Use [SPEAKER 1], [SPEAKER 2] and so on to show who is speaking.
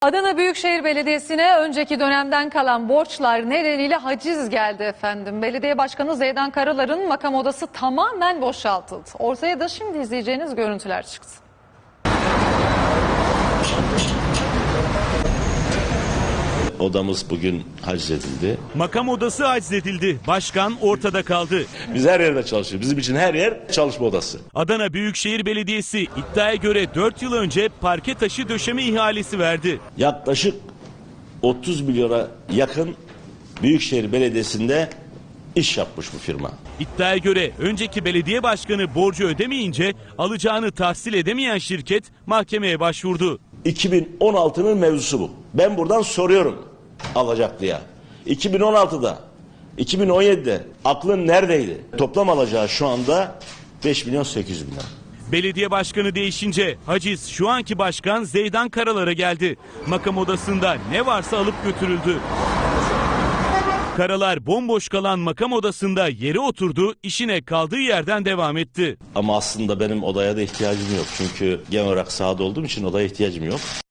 [SPEAKER 1] Adana Büyükşehir Belediyesi'ne önceki dönemden kalan borçlar nedeniyle haciz geldi efendim. Belediye Başkanı Zeydan Karalar'ın makam odası tamamen boşaltıldı. Ortaya da şimdi izleyeceğiniz görüntüler çıktı.
[SPEAKER 2] Odamız bugün haczedildi.
[SPEAKER 3] Makam odası haczedildi. Başkan ortada kaldı.
[SPEAKER 2] Biz her yerde çalışıyoruz. Bizim için her yer çalışma odası.
[SPEAKER 3] Adana Büyükşehir Belediyesi iddiaya göre 4 yıl önce parke taşı döşeme ihalesi verdi.
[SPEAKER 2] Yaklaşık 30 milyona yakın Büyükşehir Belediyesi'nde iş yapmış bu firma.
[SPEAKER 3] İddiaya göre önceki belediye başkanı borcu ödemeyince alacağını tahsil edemeyen şirket mahkemeye başvurdu.
[SPEAKER 2] 2016'nın mevzusu bu. Ben buradan soruyorum alacaklıya. 2016'da, 2017'de aklın neredeydi? Toplam alacağı şu anda 5 milyon 800 bin lira.
[SPEAKER 3] Belediye başkanı değişince haciz şu anki başkan Zeydan Karalar'a geldi. Makam odasında ne varsa alıp götürüldü. Karalar bomboş kalan makam odasında yere oturdu, işine kaldığı yerden devam etti.
[SPEAKER 2] Ama aslında benim odaya da ihtiyacım yok. Çünkü genel olarak sahada olduğum için odaya ihtiyacım yok.